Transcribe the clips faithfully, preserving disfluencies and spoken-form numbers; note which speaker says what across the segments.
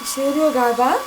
Speaker 1: İşe yarıyor galiba.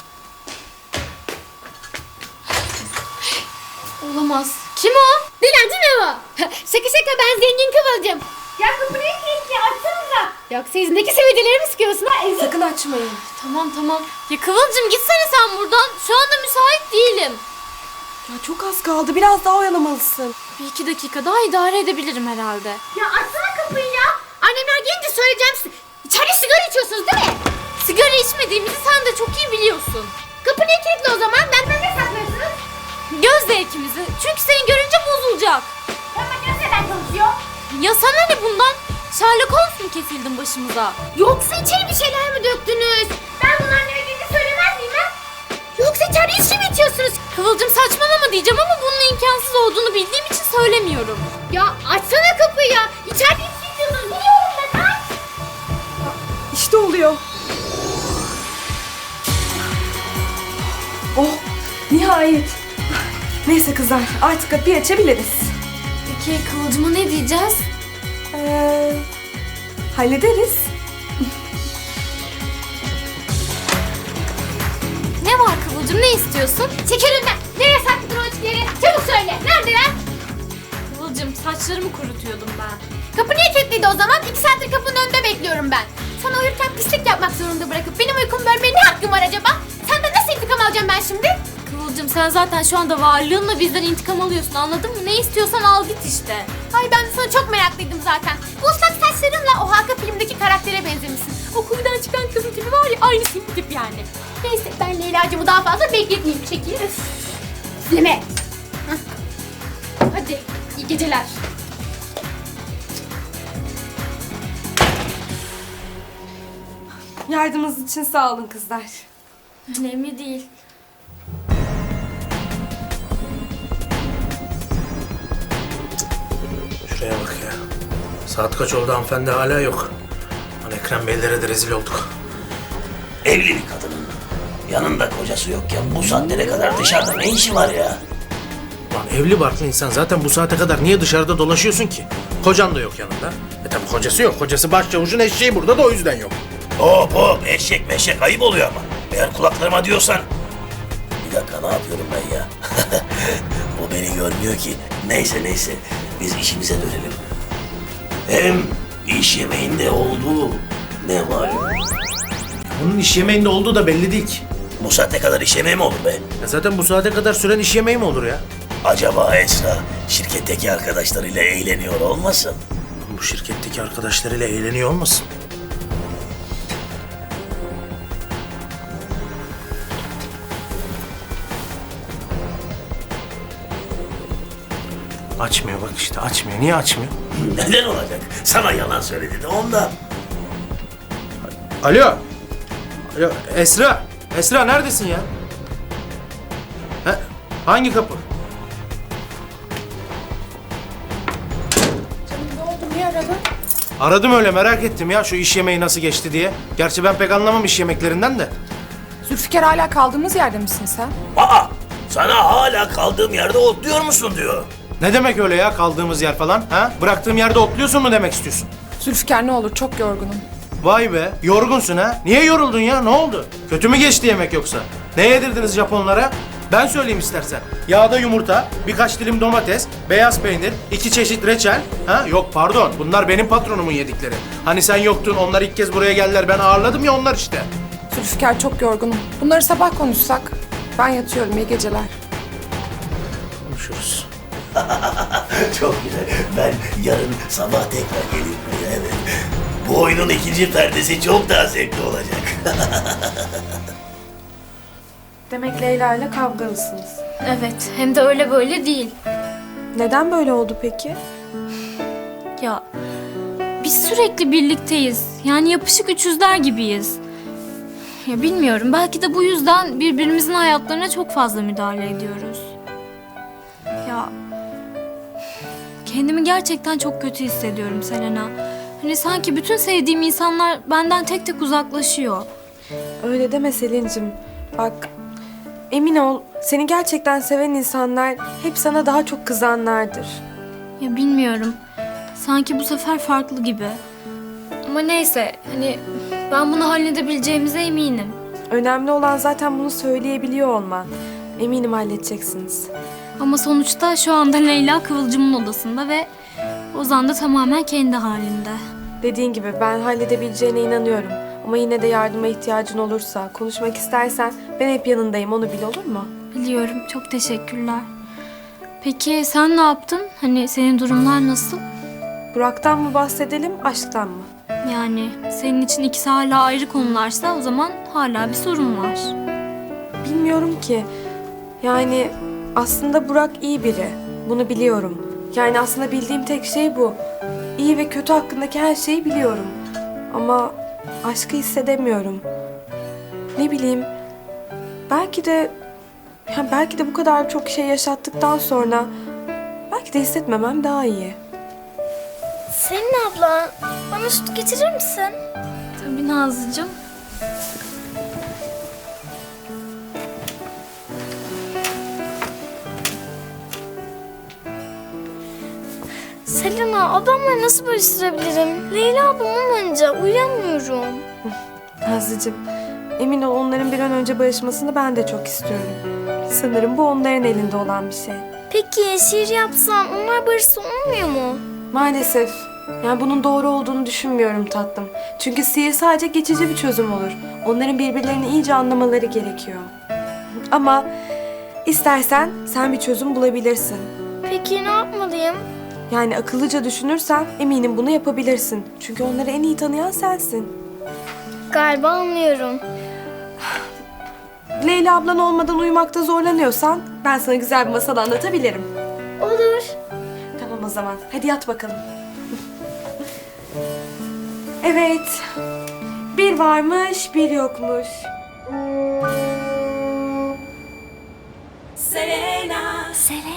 Speaker 2: Olamaz. Kim o? Dilenci mi o? Şaka şaka, ben zengin Kıvılcım. Ya kapıyı kilitli, açsanıza. Yoksa yüzündeki sivilceleri mi sıkıyorsun ha? Ezik.
Speaker 1: Sakın açmayın.
Speaker 2: Tamam tamam. Ya Kıvılcım gitsene sen buradan. Şu anda müsait değilim.
Speaker 1: Ya çok az kaldı. Biraz daha oyalamalısın.
Speaker 2: Bir iki dakika daha idare edebilirim herhalde. Ya açsana kapıyı ya. Annemler gelince söyleyeceğim size. İçeride sigara içiyorsunuz değil mi? Sigara içmediğimizi sen de çok iyi biliyorsun. Kapı niye kilitli o zaman? Benden ne saklıyorsunuz? Göz zevkimizi. Çünkü seni görünce bozulacak. Ama göz neden çalışıyor? Ya sana ne bundan? Sherlock Holmes mu kesildin başımıza? Yoksa içeri bir şeyler mi döktünüz? Ben bunların ne dediğini söylemez miyim ha? Yoksa içeride içki mi içiyorsunuz? Kıvılcım saçmalama diyeceğim ama bunun imkansız olduğunu bildiğim için söylemiyorum. Ya açsana kapıyı ya. İçeride içki içiyorsunuz biliyorum ben. Aç.
Speaker 1: İşte oluyor. Oh, nihayet. Neyse kızlar, artık kapıyı açabiliriz.
Speaker 2: Peki Kıvılcım'a ne diyeceğiz?
Speaker 1: Ee, hallederiz.
Speaker 2: Ne var Kıvılcım, ne istiyorsun? Çekil önünden. Nereye sakladın o içkileri? Çabuk söyle. Neredeler? Kıvılcım, saçlarımı kurutuyordum ben. Kapı niye kilitliydi o zaman? İki saattir kapının önünde bekliyorum ben. Sana uyurken pislik yapmak zorunda bırakıp benim uykumu bölmeye ne hakkım var acaba? Senden nasıl intikam alacağım ben şimdi? Kıvılcım, sen zaten şu anda varlığınla bizden intikam alıyorsun, anladın mı? Ne istiyorsan al git işte. Ay ben de sana çok meraklıydım zaten. Bu ıslak saçlarınla o Hakan filmdeki karaktere benzemişsin. O kuyudan çıkan kızın tipi var ya, aynı senin tip yani. Neyse ben Leyla'cığımı daha fazla bekletmeyeyim, çekil. Sileme. Hadi iyi geceler.
Speaker 1: Yardımınız için sağ olun kızlar.
Speaker 2: Önemli değil.
Speaker 3: Şuraya bak ya. Saat kaç oldu, hanımefendi hala yok. Lan Ekrem Beylere de rezil olduk.
Speaker 4: Evli bir kadının yanında kocası yokken bu saatlere kadar dışarıda ne işi var ya?
Speaker 3: Lan evli barklı insan zaten bu saate kadar niye dışarıda dolaşıyorsun ki? Kocan da yok yanında. E tabi kocası yok. Kocası başçavuşun eşeği burada da o yüzden yok.
Speaker 4: Hop hop, eşek meşek ayıp oluyor ama. Eğer kulaklarıma diyorsan... Bir dakika, ne yapıyorum ben ya? O beni görmüyor ki. Neyse neyse, biz işimize dönelim. Hem iş yemeğinde olduğu ne malum?
Speaker 3: Bunun iş yemeğinde olduğu da belli değil ki.
Speaker 4: Bu saate kadar iş yemeği mi olur be?
Speaker 3: Ya zaten bu saate kadar süren iş yemeği mi olur ya?
Speaker 4: Acaba Esra şirketteki arkadaşlarıyla eğleniyor olmasın?
Speaker 3: Bu şirketteki arkadaşlarıyla eğleniyor olmasın? Açmıyor bak işte, açmıyor. Niye açmıyor?
Speaker 4: Neden olacak? Sana yalan söyledi de ondan.
Speaker 3: Alo. Alo Esra. Esra neredesin ya? He? Hangi kapı?
Speaker 1: Ne oldu, niye aradın?
Speaker 3: Aradım öyle, merak ettim ya şu iş yemeği nasıl geçti diye. Gerçi ben pek anlamam iş yemeklerinden de.
Speaker 1: Zülfikar, hala kaldığımız yerde misin sen?
Speaker 4: Aa! Sana hala kaldığım yerde otluyor musun diyor.
Speaker 3: Ne demek öyle ya, kaldığımız yer falan? Ha? Bıraktığım yerde otluyorsun mu demek istiyorsun?
Speaker 1: Zülfikar, ne olur, çok yorgunum.
Speaker 3: Vay be, yorgunsun ha? Niye yoruldun ya, ne oldu? Kötü mü geçti yemek yoksa? Ne yedirdiniz Japonlara? Ben söyleyeyim istersen. Yağda yumurta, birkaç dilim domates, beyaz peynir, iki çeşit reçel. Ha? Yok pardon, bunlar benim patronumun yedikleri. Hani sen yoktun, onlar ilk kez buraya geldiler, ben ağırladım ya onlar işte.
Speaker 1: Zülfikar, çok yorgunum. Bunları sabah konuşsak. Ben yatıyorum, iyi geceler.
Speaker 3: Konuşuruz.
Speaker 4: Çok güzel. Ben yarın sabah tekrar geleyim buraya, evet. Bu oyunun ikinci perdesi çok daha zevkli olacak.
Speaker 1: Demek Leyla ile kavgalısınız.
Speaker 2: Evet, hem de öyle böyle değil.
Speaker 1: Neden böyle oldu peki?
Speaker 2: Ya biz sürekli birlikteyiz. Yani yapışık üçüzler gibiyiz. Ya bilmiyorum, belki de bu yüzden birbirimizin hayatlarına çok fazla müdahale ediyoruz. Ya kendimi gerçekten çok kötü hissediyorum Selena. Hani sanki bütün sevdiğim insanlar benden tek tek uzaklaşıyor.
Speaker 1: Öyle deme Selin'cim. Bak, emin ol, seni gerçekten seven insanlar hep sana daha çok kızanlardır.
Speaker 2: Ya bilmiyorum. Sanki bu sefer farklı gibi. Ama neyse, hani ben bunu halledebileceğimize eminim.
Speaker 1: Önemli olan zaten bunu söyleyebiliyor olman. Eminim halledeceksiniz.
Speaker 2: Ama sonuçta şu anda Leyla Kıvılcım'ın odasında ve Ozan da tamamen kendi halinde.
Speaker 1: Dediğin gibi ben halledebileceğine inanıyorum. Ama yine de yardıma ihtiyacın olursa, konuşmak istersen ben hep yanındayım, onu bil, olur mu?
Speaker 2: Biliyorum, çok teşekkürler. Peki sen ne yaptın? Hani senin durumlar nasıl?
Speaker 1: Burak'tan mı bahsedelim, aşktan mı?
Speaker 2: Yani senin için ikisi hala ayrı konularsa o zaman hala bir sorun var.
Speaker 1: Bilmiyorum ki. Yani aslında Burak iyi biri. Bunu biliyorum. Yani aslında bildiğim tek şey bu. İyi ve kötü hakkındaki her şeyi biliyorum. Ama aşkı hissedemiyorum. Ne bileyim. Belki de ya belki de bu kadar çok şey yaşattıktan sonra belki de hissetmemem daha iyi.
Speaker 5: Selin abla, bana süt getirir misin?
Speaker 2: Tabii Nazlıcığım.
Speaker 5: Selena, ablamla nasıl barıştırabilirim? Leyla ablam olmayınca uyuyamıyorum.
Speaker 1: Nazlıcığım, emin ol onların bir an önce barışmasını ben de çok istiyorum. Sanırım bu onların elinde olan bir şey.
Speaker 5: Peki şiir yapsam onlar barışsa olmuyor mu?
Speaker 1: Maalesef. Yani bunun doğru olduğunu düşünmüyorum tatlım. Çünkü sihir sadece geçici bir çözüm olur. Onların birbirlerini iyice anlamaları gerekiyor. Ama istersen sen bir çözüm bulabilirsin.
Speaker 5: Peki ne yapmalıyım?
Speaker 1: Yani akıllıca düşünürsen eminim bunu yapabilirsin. Çünkü onları en iyi tanıyan sensin.
Speaker 5: Galiba anlıyorum.
Speaker 1: Leyla ablan olmadan uyumakta zorlanıyorsan ben sana güzel bir masal anlatabilirim.
Speaker 5: Olur.
Speaker 1: Tamam o zaman. Hadi yat bakalım. Evet. Bir varmış, bir yokmuş.
Speaker 5: Selena.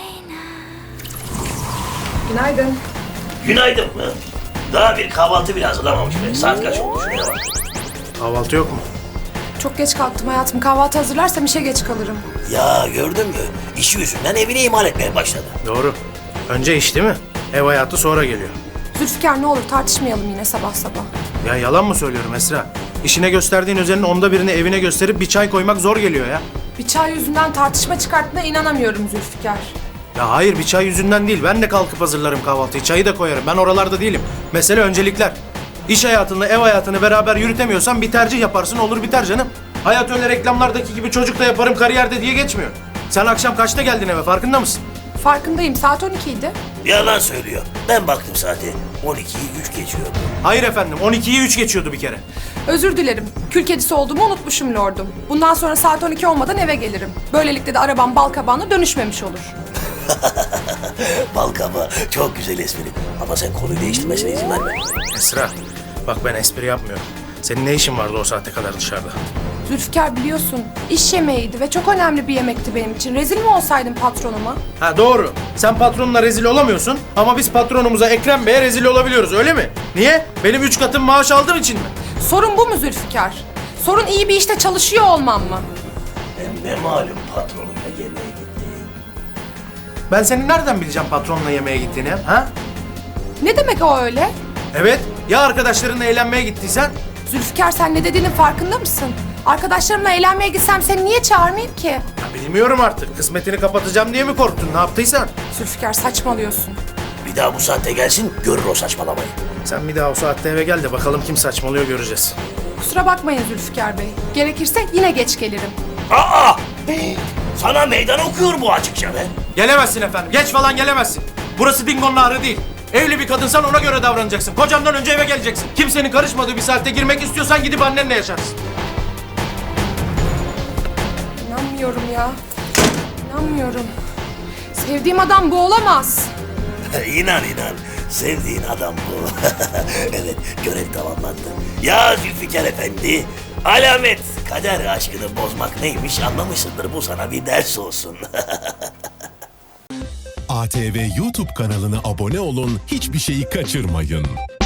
Speaker 1: Günaydın.
Speaker 4: Günaydın mı? Daha bir kahvaltı bile hazırlamamış be. Saat kaç oldu şuraya bak.
Speaker 3: Kahvaltı yok mu?
Speaker 6: Çok geç kalktım hayatım. Kahvaltı hazırlarsam işe geç kalırım.
Speaker 4: Ya gördün mü? İşi yüzünden evini ihmal etmeye başladı.
Speaker 3: Doğru. Önce iş değil mi? Ev hayatı sonra geliyor.
Speaker 6: Zülfikar ne olur tartışmayalım yine sabah sabah.
Speaker 3: Ya yalan mı söylüyorum Esra? İşine gösterdiğin özenin onda birini evine gösterip bir çay koymak zor geliyor ya.
Speaker 6: Bir çay yüzünden tartışma çıkarttığına inanamıyorum Zülfikar.
Speaker 3: Ya hayır, bir çay yüzünden değil. Ben de kalkıp hazırlarım kahvaltıyı. Çayı da koyarım. Ben oralarda değilim. Mesele öncelikler. İş hayatını, ev hayatını beraber yürütemiyorsan bir tercih yaparsın, olur biter canım. Hayat öyle reklamlardaki gibi çocuk da yaparım kariyerde diye geçmiyor. Sen akşam kaçta geldin eve, farkında mısın?
Speaker 6: Farkındayım, saat on iki idi.
Speaker 4: Yalan söylüyor. Ben baktım saate. on ikiyi üç geçiyordu.
Speaker 3: Hayır efendim, on ikiyi üç geçiyordu bir kere.
Speaker 6: Özür dilerim. Kül kedisi olduğumu unutmuşum lordum. Bundan sonra saat on iki olmadan eve gelirim. Böylelikle de arabam bal kabağına dönüşmemiş olur.
Speaker 4: Balkaba çok güzel espri. Ama sen konuyu değiştirmesine izin verme.
Speaker 3: Esra, bak ben espri yapmıyorum. Senin ne işin vardı o saate kadar dışarıda?
Speaker 6: Zülfikar biliyorsun, iş yemeğiydi ve çok önemli bir yemekti benim için. Rezil mi olsaydım patronuma?
Speaker 3: Ha doğru. Sen patronla rezil olamıyorsun ama biz patronumuza Ekrem Bey'e rezil olabiliyoruz, öyle mi? Niye? Benim üç katım maaş aldığım için mi?
Speaker 6: Sorun bu mu Zülfikar? Sorun iyi bir işte çalışıyor olmam mı?
Speaker 4: Hem ne malum patronuyla yemeğe gitti.
Speaker 3: Ben senin nereden bileceğim patronla yemeğe gittiğini, ha?
Speaker 6: Ne demek o öyle?
Speaker 3: Evet, ya arkadaşlarınla eğlenmeye gittiysen?
Speaker 6: Zülfikar sen ne dediğinin farkında mısın? Arkadaşlarımla eğlenmeye gitsem seni niye çağırmayayım ki?
Speaker 3: Ya bilmiyorum artık. Kısmetini kapatacağım diye mi korktun? Ne yaptıysan?
Speaker 6: Zülfikar saçmalıyorsun.
Speaker 4: Bir daha bu saatte gelsin görür o saçmalamayı.
Speaker 3: Sen bir daha o saatte eve gel de bakalım kim saçmalıyor, göreceğiz.
Speaker 6: Kusura bakmayın Zülfikar Bey. Gerekirse yine geç gelirim.
Speaker 4: Aa! Sana meydan okuyor bu açıkça be.
Speaker 3: Gelemezsin efendim. Geç falan gelemezsin. Burası Dingo'nun ahırı değil. Evli bir kadınsan ona göre davranacaksın. Kocandan önce eve geleceksin. Kimsenin karışmadığı bir saatte girmek istiyorsan gidip annenle yaşarsın.
Speaker 6: İnanmıyorum ya. İnanmıyorum. Sevdiğim adam bu olamaz.
Speaker 4: İnan inan. Sevdiğin adam bu. Evet, görev tamamlandı. Ya Zülfikar Efendi, alamet kader aşkını bozmak neymiş anlamışsındır. Bu sana bir ders olsun.
Speaker 7: A T V YouTube kanalına abone olun, hiçbir şeyi kaçırmayın.